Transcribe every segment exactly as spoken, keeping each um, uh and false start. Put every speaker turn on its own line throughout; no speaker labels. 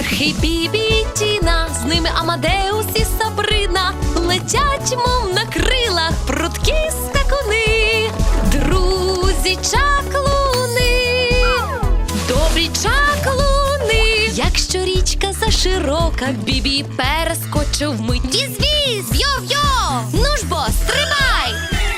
Верхи Бібі і Тіна, з ними Амадеус і Сабрина. Летять, мов на крилах, прудкі скакуни. Друзі чаклуни, добрі чаклуни. Якщо річка заширока, Бібі перескочив вмить. Віз-віз, йо-йо, ну ж бо, стримай!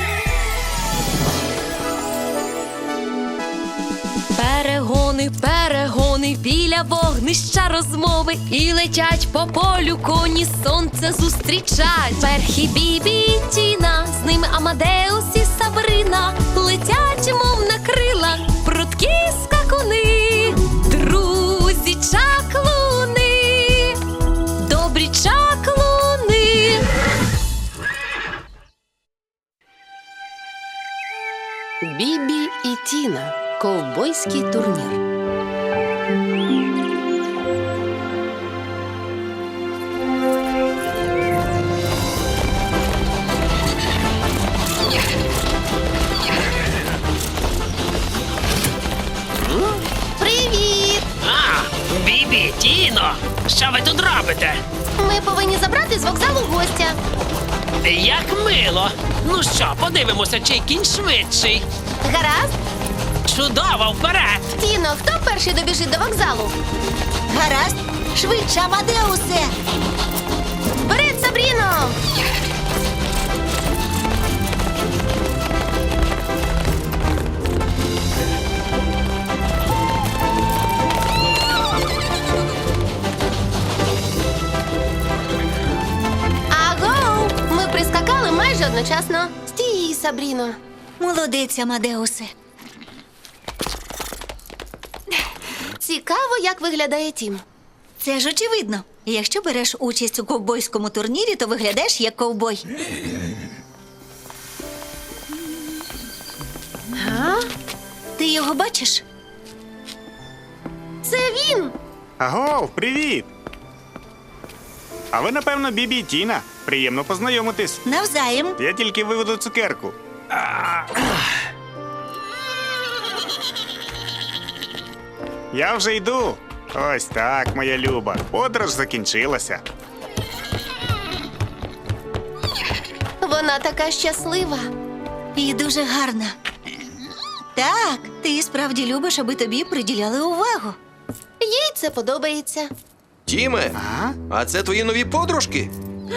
Перегони, перегони, біля вогнища розмови. І летять по полю коні, сонце зустрічать. Верхи Бібі і Тіна, з ними Амадеус і Сабрина. Летять, мов на крилах, прудкі скакуни. Друзі чаклуни, добрі чаклуни.
Бібі і Тіна. Ковбойський турнір.
Привіт!
А, Бібі, Тіно, що ви тут робите?
Ми повинні забрати з вокзалу гостя.
Як мило. Ну що, подивимося, чий кінь швидший.
Гаразд?
Чудово, вперед!
Тіно, хто перший добіжить до вокзалу?
Гаразд, швидше, Амадеусе!
Вперед, Сабріно! Аго! Ми прискакали майже одночасно. Стій, Сабріно.
Молодець, Амадеусе.
Цікаво, як виглядає Тім.
Це ж очевидно. Якщо береш участь у ковбойському турнірі, то виглядаєш як ковбой.
А?
Ти його бачиш?
Це він!
Агов, привіт! А ви, напевно, Бібі і Тіна. Приємно познайомитись.
Навзаєм.
Я тільки виведу цукерку. Я вже йду. Ось так, моя люба. Подорож закінчилася.
Вона така щаслива.
І дуже гарна. Так, ти справді любиш, аби тобі приділяли увагу.
Їй це подобається.
Тіме,
А?
а це твої нові подружки?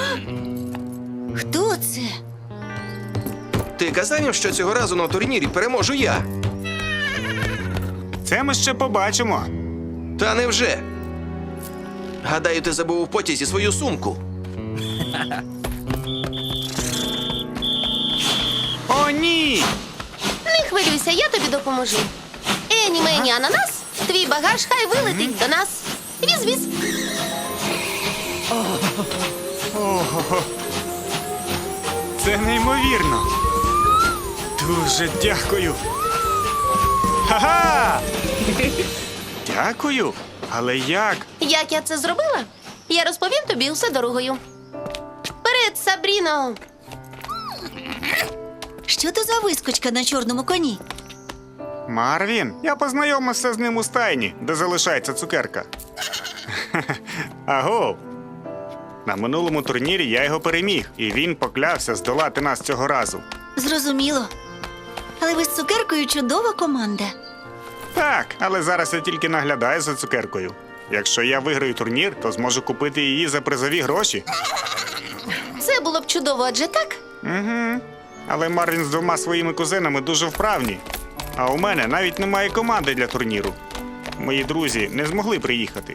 Хто це?
Ти казав їм, що цього разу на турнірі переможу я.
Це ми ще побачимо.
Та невже? Гадаю, ти забув у потязі свою сумку.
О, ні!
Не хвилюйся, я тобі допоможу. Ені мені ананас, твій багаж хай вилетить до нас. Віз-віз.
Це неймовірно. Дуже дякую. Ха-ха! Дякую. Але як?
Як я це зробила? Я розповім тобі усе дорогою. Вперед, Сабріно!
Що то за вискочка на чорному коні?
Марвін, я познайомився з ним у стайні, де залишається цукерка. Аго! На минулому турнірі я його переміг, і він поклявся здолати нас цього разу.
Зрозуміло. Але ви з цукеркою чудова команда.
Так, але зараз я тільки наглядаю за цукеркою. Якщо я виграю турнір, то зможу купити її за призові гроші.
Це було б чудово, адже так?
Угу. Але Марвін з двома своїми кузенами дуже вправні. А у мене навіть немає команди для турніру. Мої друзі не змогли приїхати.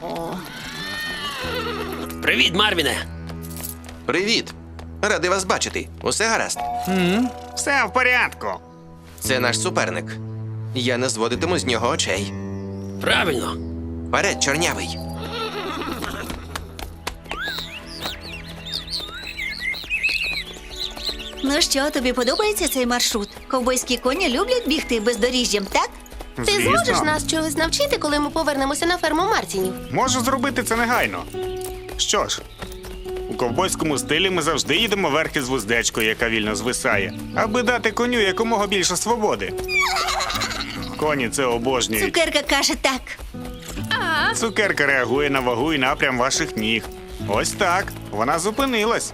Привіт, Марвіне.
Привіт. Радий вас бачити. Усе гаразд.
Все в порядку.
Це наш суперник. Я не зводитиму з нього очей.
Правильно.
Вперед, чорнявий.
Ну що, тобі подобається цей маршрут? Ковбойські коні люблять бігти бездоріжжям, так?
Ти
Звісно.
зможеш нас чогось навчити, коли ми повернемося на ферму Мартінів?
Можу зробити це негайно. Що ж, у ковбойському стилі ми завжди їдемо верхи з вуздечкою, яка вільно звисає, аби дати коню якомога більше свободи. Коні це обожнюють.
Цукерка каже так.
А,
Цукерка реагує на вагу і напрям ваших ніг. Ось так. Вона зупинилась.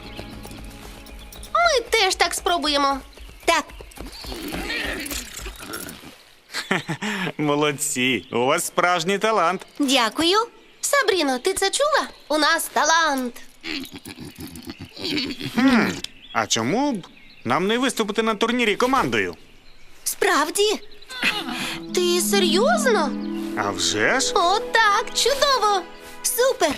Ми теж так спробуємо.
Так,
Молодці. У вас справжній талант.
дякую.
Сабріно, ти це чула? У нас талант.
А чому б нам не виступити на турнірі командою?
Справді.
Ти серйозно?
А вже ж?
О, так, чудово.
Супер.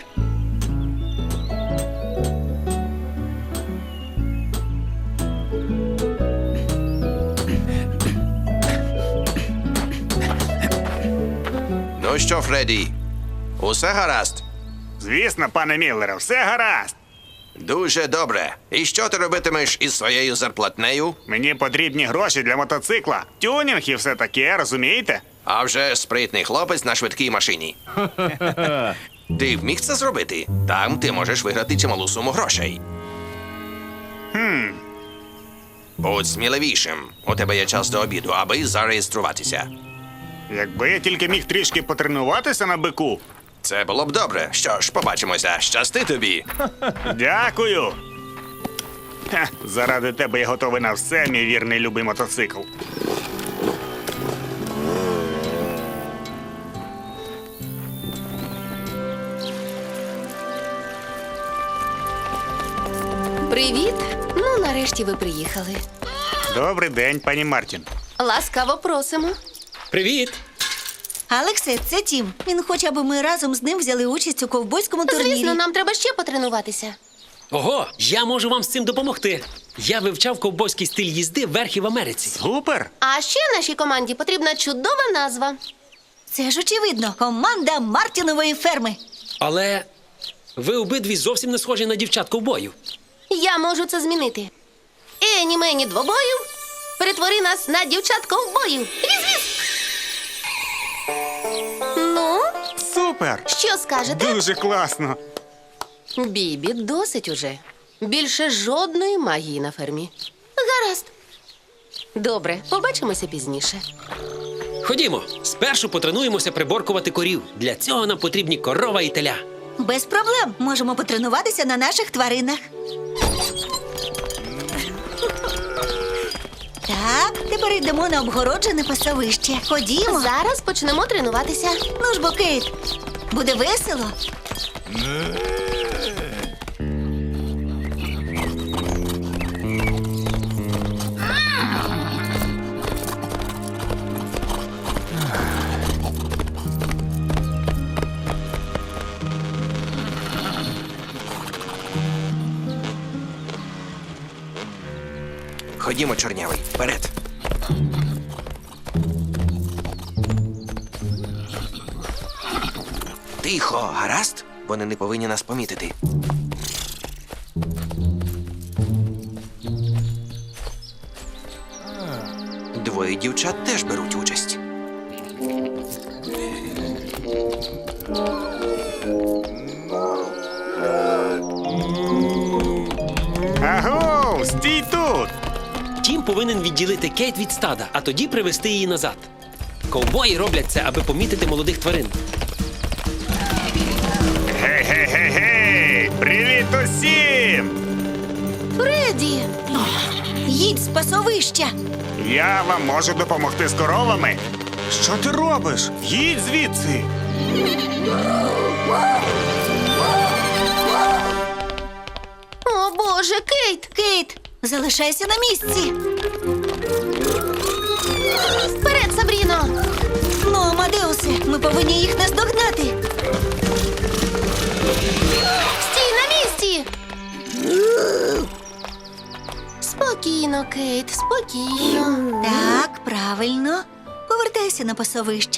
Ну що, Фредді, усе гаразд?
Звісно, пане Міллере, все гаразд.
Дуже добре. І що ти робитимеш із своєю зарплатнею?
Мені потрібні гроші для мотоцикла, тюнінг і все таке, розумієте?
А вже спритний хлопець на швидкій машині. Ти вміг це зробити? Там ти можеш виграти чималу суму грошей.
Хм.
Будь сміливішим. У тебе є час до обіду, аби зареєструватися.
Якби я тільки міг трішки потренуватися на бику.
Це було б добре. Що ж, побачимося. Щасти тобі.
Дякую. Ха, заради тебе я готовий на все, мій вірний любий мотоцикл.
Привіт. Ну, нарешті ви приїхали.
Добрий день, пані Мартін.
Ласкаво просимо.
Привіт!
Алексе, це Тім. Він хоче, аби ми разом з ним взяли участь у ковбойському турнірі.
Звісно, нам треба ще потренуватися.
Ого, я можу вам з цим допомогти. Я вивчав ковбойський стиль їзди верхи в Америці.
Супер!
А ще нашій команді потрібна чудова назва.
Це ж очевидно. Команда Мартінової ферми.
Але ви обидві зовсім не схожі на дівчат ковбоїв.
Я можу це змінити. Ені мені двобою, перетвори нас на дівчат ковбоїв. Віз-віз! Ну,
Супер!
що скажете?
Дуже класно.
Бібі, досить уже. Більше жодної магії на фермі. Гаразд. Добре, побачимося пізніше.
Ходімо, спершу потренуємося приборкувати корів. Для цього нам потрібні корова і теля.
Без проблем. Можемо потренуватися на наших тваринах. Так, тепер йдемо на обгороджене пасовище. Ходімо.
Зараз почнемо тренуватися.
Ну ж бо, Кейт, буде весело.
Ходімо, чорнявий, вперед. Тихо, гаразд? Вони не повинні нас помітити. Двоє дівчат теж беруть участь.
Аго, стій тут!
Тім повинен відділити Кейт від стада, а тоді привести її назад. Ковбої роблять це, аби помітити молодих тварин.
Гей-гей-гей-гей! Привіт усім!
Фредді!
Їдь з пасовища.
Я вам можу допомогти з коровами. Що ти робиш? Їдь звідси!
О, Боже, Кейт!
Кейт, залишайся на місці.
Вперед, Сабріно!
Ну, Амадеусе, ми повинні їх наздогнати.
Стій на місці! Спокійно, Кейт, спокійно.
Так, правильно. Повертайся на пасовище.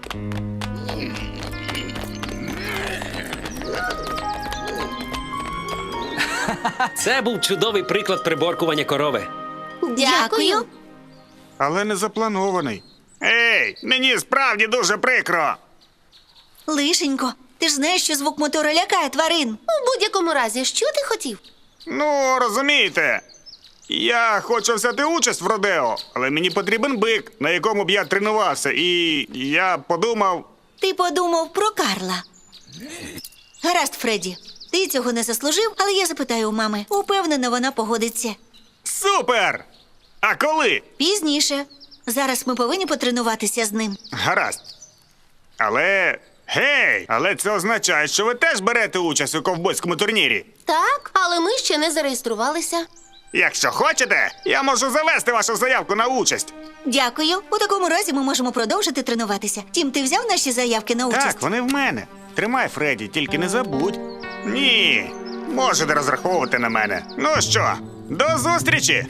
Це був чудовий приклад приборкування корови.
Дякую.
Але не запланований. Ей, мені справді дуже прикро.
Лишенько, ти ж знаєш, що звук мотора лякає тварин.
У будь-якому разі, що ти хотів?
Ну, розумієте, я хочу взяти участь в родео, але мені потрібен бик, на якому б я тренувався, і я подумав,
Ти подумав про Карла. Гаразд, Фредді. Ти цього не заслужив, але я запитаю у мами. Упевнена, вона погодиться.
Супер! А коли?
Пізніше. Зараз ми повинні потренуватися з ним.
Гаразд. Але. Гей! Але це означає, що ви теж берете участь у ковбойському турнірі.
Так, але ми ще не зареєструвалися.
Якщо хочете, я можу завести вашу заявку на участь.
Дякую. У такому разі ми можемо продовжити тренуватися. Тім, ти взяв наші заявки на участь?
Так, вони в мене. Тримай, Фредді, тільки не забудь. Ні. Можете розраховувати на мене. Ну що, до зустрічі!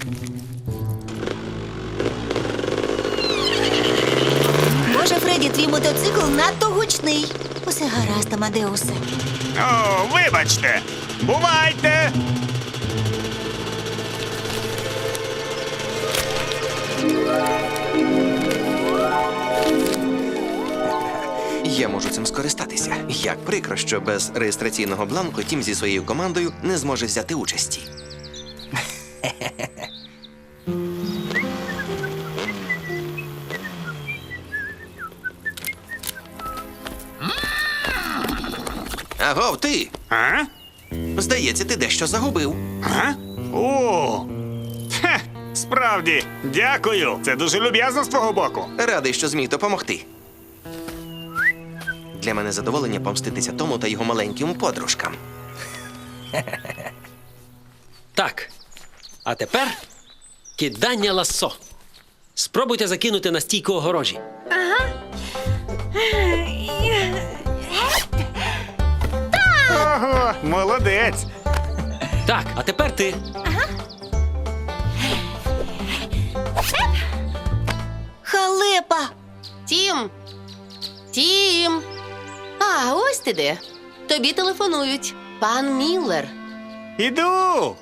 Боже, Фредді, твій мотоцикл надто гучний. Усе гаразд, Амадеусе.
О, вибачте! Бувайте!
Я можу цим скористатися. Як прикро, що без реєстраційного бланку Тім зі своєю командою не зможе взяти участі. Агов, ти!
А?
Здається, ти дещо загубив.
А? О! Хе, справді, дякую. Це дуже люб'язно з твого боку.
Радий, що зміг допомогти. Для мене задоволення помститися тому та його маленьким подружкам.
Так. А тепер кидання лассо. Спробуйте закинути на стійку огорожі.
Ого, молодець.
Так, а тепер ти.
Халепа!
Тім! Тім! А, ось ти де. Тобі телефонують. Пан Міллер.
Іду.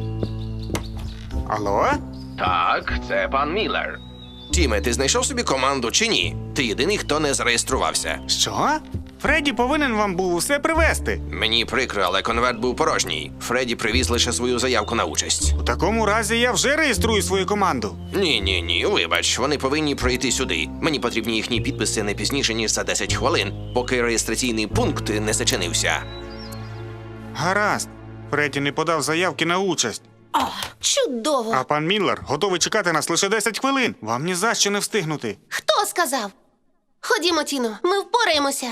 Алло?
Так, це пан Міллер. Тіме, ти знайшов собі команду чи ні? Ти єдиний, хто не зареєструвався.
Що? Фредді повинен вам був усе привезти.
Мені прикро, але конверт був порожній. Фредді привіз лише свою заявку на участь.
У такому разі я вже реєструю свою команду.
Ні, ні, ні, вибач, вони повинні пройти сюди. Мені потрібні їхні підписи не пізніше, ніж за десять хвилин, поки реєстраційний пункт не зачинився.
Гаразд. Фредді не подав заявки на участь.
Чудово!
А пан Міллер готовий чекати нас лише десять хвилин. Вам ні за що не встигнути.
Хто сказав? Ходімо, Тіно, ми впораємося.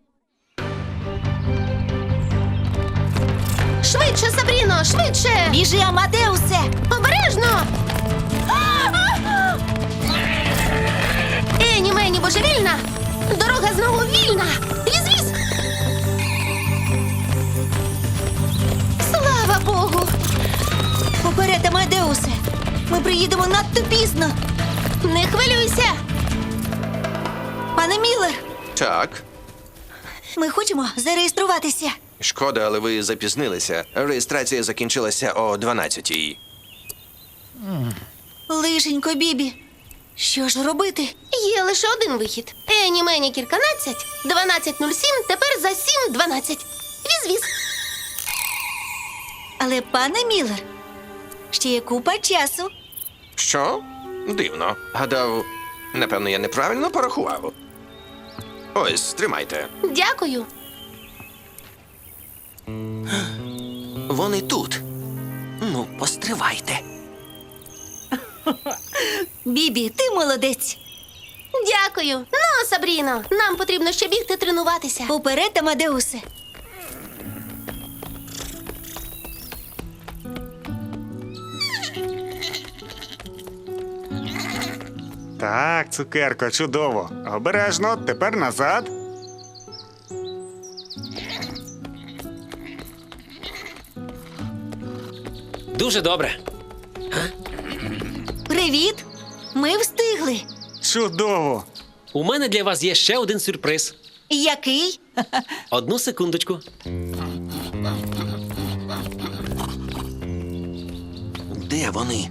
Швидше, Сабріно, швидше!
Біжи, Амадеусе!
Обережно! Ені, мені божевільна! Дорога знову вільна! Віз-віз! Слава Богу!
Поперед, Амадеусе! Ми приїдемо надто пізно!
Не хвилюйся!
Пане Міллер,
Так,
ми хочемо зареєструватися.
шкода, але ви запізнилися. Реєстрація закінчилася о дванадцятій.
Лишенько, Бібі. Що ж робити?
Є лише один вихід. Ені, мені кільканадцять, дванадцять нуль сім, тепер за сім дванадцять. Віз-віз!
Але, пане Міллер, ще є купа часу.
Що? Дивно. Гадав, напевно, я неправильно порахував. Ось, тримайте.
Дякую.
Вони тут. Ну, постривайте.
Бібі, ти молодець.
Дякую. Ну, Сабріно, нам потрібно ще бігти тренуватися.
Поперед, Амадеусе.
Так, цукерко, чудово. Обережно, тепер назад.
Дуже добре.
Привіт. Ми встигли.
Чудово.
У мене для вас є ще один сюрприз.
Який?
Одну секундочку.
Де вони?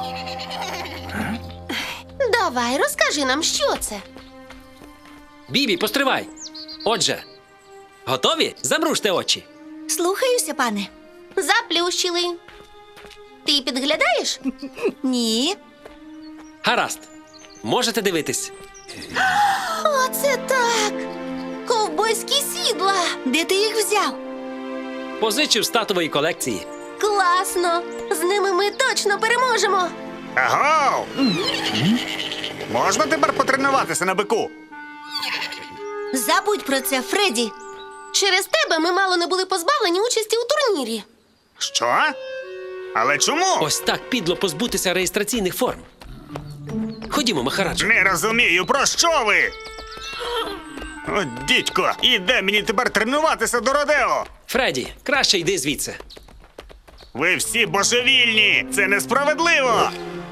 Давай, розкажи нам, що це.
Бібі, постривай. Отже, готові? Замружте очі.
Слухаюся, пане.
Заплющили. Ти підглядаєш?
Ні.
Гаразд. Можете дивитись.
Оце так. ковбойські сідла.
Де ти їх взяв?
Позичив з татової колекції.
Класно! З ними ми точно переможемо.
Аго! Можна тепер потренуватися на бику?
Забудь про це, Фредді.
Через тебе ми мало не були позбавлені участі у турнірі.
Що? Але чому?
Ось так підло позбутися реєстраційних форм. Ходімо, Махараджо.
Не розумію, про що ви? О, дідько, і де мені тепер тренуватися до Родео?
Фредді, краще йди звідси.
Ви всі божевільні! Це несправедливо!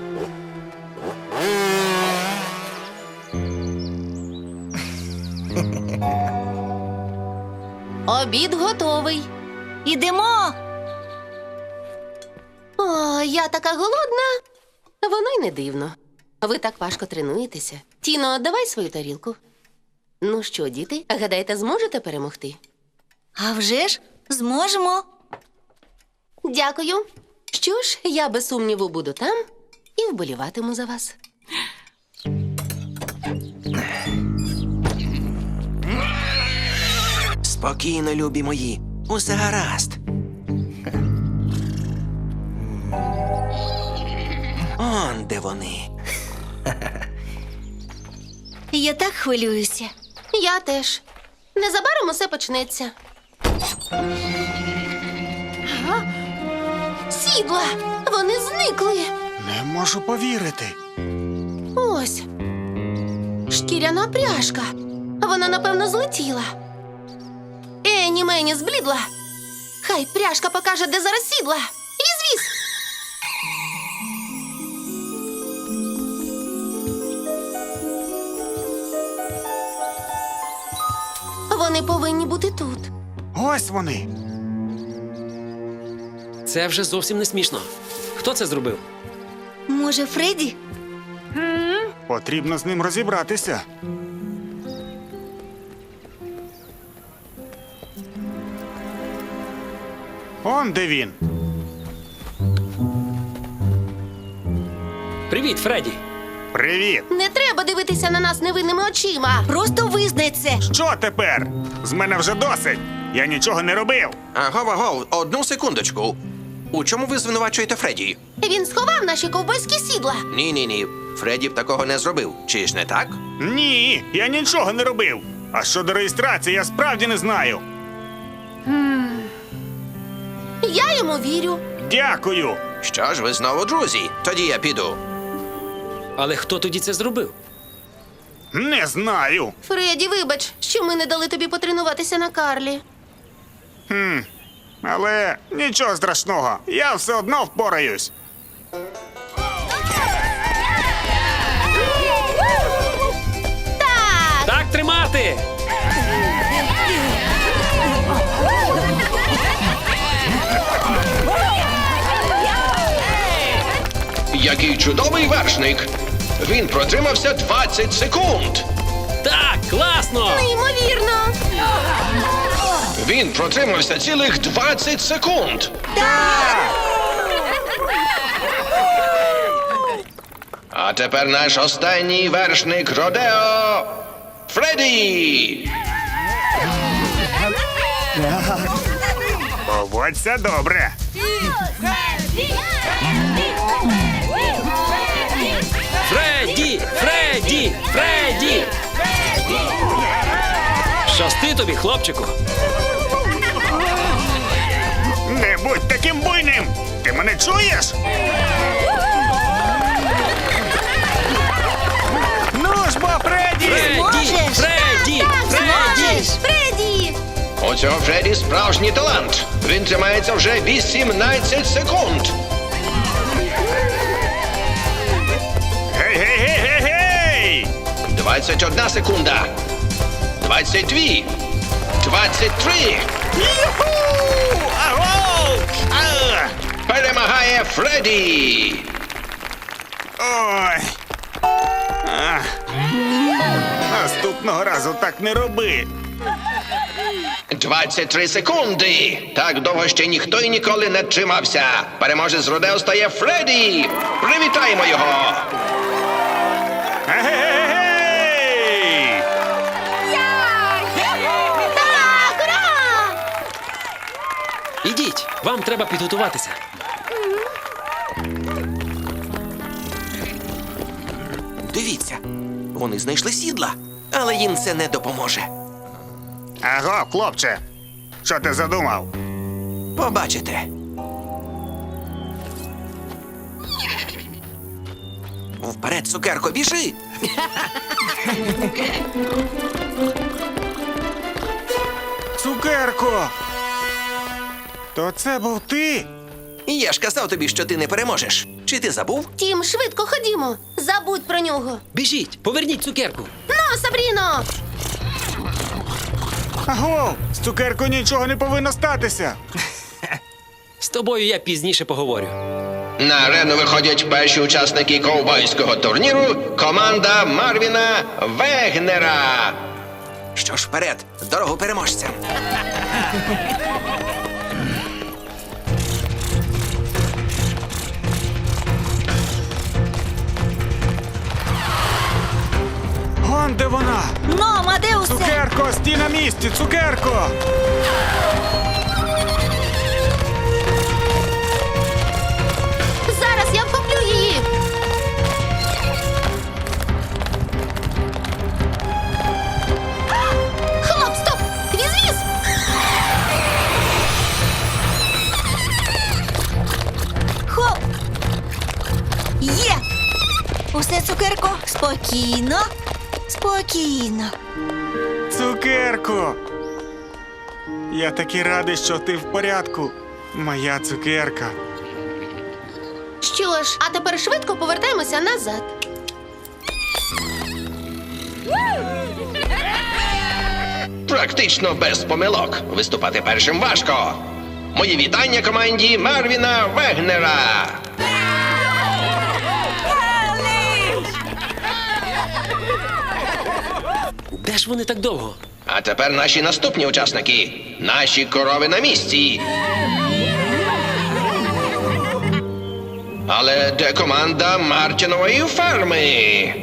Обід готовий.
Ідемо.
О, я така голодна. Воно й не дивно. Ви так важко тренуєтеся. Тіно, давай свою тарілку. Ну що, діти, гадаєте, зможете перемогти?
А вже ж зможемо.
Дякую. Що ж, я без сумніву буду там і вболіватиму за вас.
Спокійно, любі мої. Усе гаразд. Он де вони.
Я так хвилююся.
Я теж. Незабаром усе почнеться. Ага. Сідла! Вони зникли!
Не можу повірити.
Ось. Шкіряна пряжка. Вона, напевно, злетіла. Ені мені зблідла. Хай пряжка покаже, де зараз сідла. Віз-віз! Вони повинні бути тут.
Ось вони.
Це вже зовсім не смішно. Хто це зробив?
Може, Фредді?
Потрібно з ним розібратися. Он де він.
Привіт, Фредді.
Привіт.
Не треба дивитися на нас невинними очима.
Просто визнай це.
Що тепер? З мене вже досить. Я нічого не робив.
Агов, агов, одну секундочку. У чому ви звинувачуєте Фредді?
Він сховав наші ковбойські сідла.
Ні-ні-ні, Фредді б такого не зробив. Чи ж не так?
Ні, я нічого не робив. А щодо реєстрації, я справді не знаю.
Я йому вірю.
Дякую.
Що ж, ви знову друзі? Тоді я піду.
Але хто тоді це зробив?
Не знаю.
Фредді, вибач, що ми не дали тобі потренуватися на Карлі.
Але нічого страшного. Я все одно впораюсь.
Так!
Так тримати!
Який чудовий вершник! Він протримався двадцять секунд!
Так, класно!
Неймовірно!
Він протримався цілих двадцять секунд! А тепер наш останній вершник Родео Фредді!
Поводься добре.
Фредді! Фредді! Фредді! Щасти тобі, хлопчику!
Не будь таким буйним! Ти мене чуєш? Ну ж бо, Фредді!
Фредді!
Зможеш?
Фредді! Фредді!
Фредді!
У цього Фредді справжній талант! Він тримається вже вісімнадцять секунд!
Гей, гей, гей, гей, гей!
двадцять одна секунда! двадцять дві! двадцять три!
Юху! Аго! А!
Перемагає Фредді!
Ой! А. Наступного разу так не роби.
двадцять три секунди! Так довго ще ніхто і ніколи не тримався! Переможець Родео стає Фредді! Привітаємо його!
Гей!
Вам треба підготуватися.
Дивіться, вони знайшли сідла, але їм це не допоможе.
Аго, хлопче, що ти задумав?
Побачите. Вперед, цукерко, біжи!
Цукерко! То це був ти?
Я ж казав тобі, що ти не переможеш. Чи ти забув?
Тім, швидко ходімо. Забудь про нього.
Біжіть, поверніть цукерку.
Ну, Сабріно!
Аго, з цукеркою нічого не повинно статися.
З тобою я пізніше поговорю.
На арену виходять перші учасники ковбойського турніру – команда Марвіна Вегнера. Що ж, вперед, дорогу переможцям.
Вон де вона!
Ну, Амадеусе!
Цукерко, стій на місці, цукерко!
Зараз я вхоплю її. Хлоп, стоп! Віз-віз!
Хоп! Є! Усе, цукерко, спокійно, спокійно.
Цукерко! Я такий радий, що ти в порядку. Моя цукерка.
Що ж, а тепер швидко повертаємося назад.
Практично без помилок. Виступати першим важко. Мої вітання команді Марвіна Вегнера.
Де ж вони так довго?
А тепер наші наступні учасники. Наші корови на місці. Але де команда Мартінової ферми?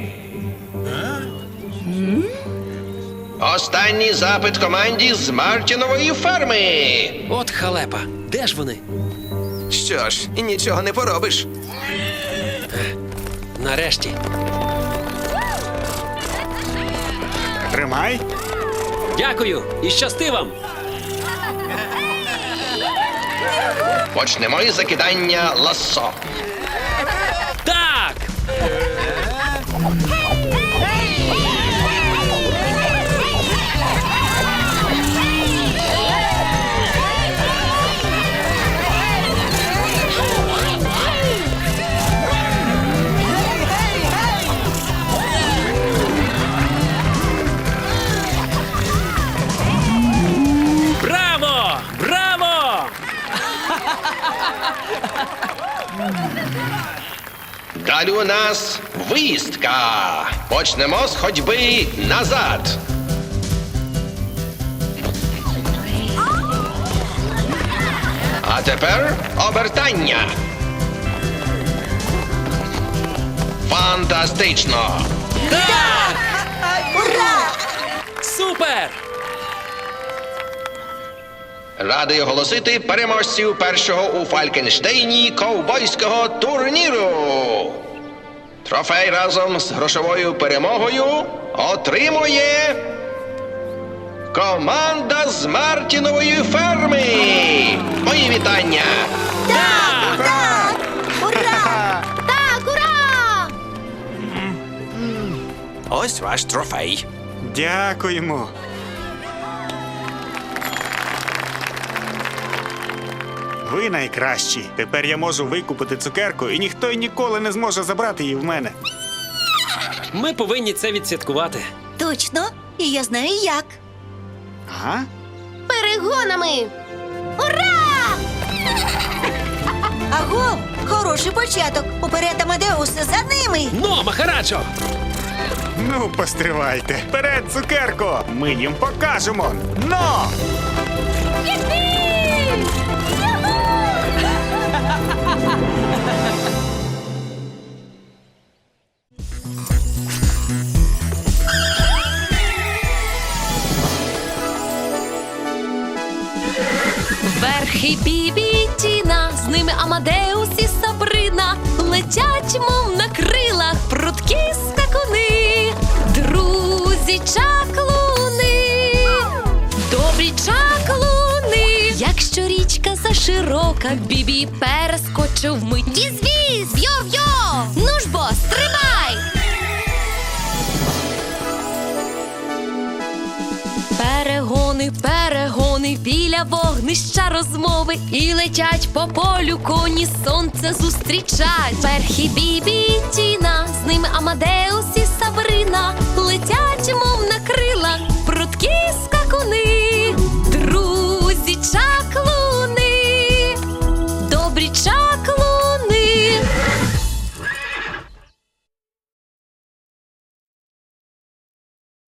Останній запит команді з Мартінової ферми.
От халепа. Де ж вони?
Що ж, нічого не поробиш.
Нарешті.
Тримай.
Дякую і щасти вам.
Почнемо із закидання лассо.
Так! Браво! Браво!
Далі у нас виїздка. Почнемо з ходьби назад. А тепер обертання. Фантастично!
Ура!
Супер!
Радий оголосити переможців першого у Фалькенштейні ковбойського турніру. Трофей разом з грошовою перемогою отримує команда з Мартінової ферми. Мої вітання!
Так! Так! Ура!
Так, ура!
Ось ваш трофей.
Дякуємо. Ви найкращі. Тепер я можу викупити цукерку, і ніхто й ніколи не зможе забрати її в мене.
Ми повинні це відсвяткувати.
Точно, і я знаю як.
Ага.
Перегонами! Ура!
Аго, хороший початок. Уперед, Амадеусе, за ними.
Но, Махараджо!
Ну, постривайте. Вперед, цукерко! Ми їм покажемо. Но!
Верхи Бібі Амадеус і Сабрина летять, мов на крилах, прудкі скакуни, друзі чаклуни, добрі чаклуни. Якщо річка заширока, Бібі перескочив мить. Віз-віз, йо-йо, ну ж бо, стрибай! Перегони, перегони, біля вогнища розмови, і летять по полю коні, сонце зустрічать. Перхі Бібі і Тіна з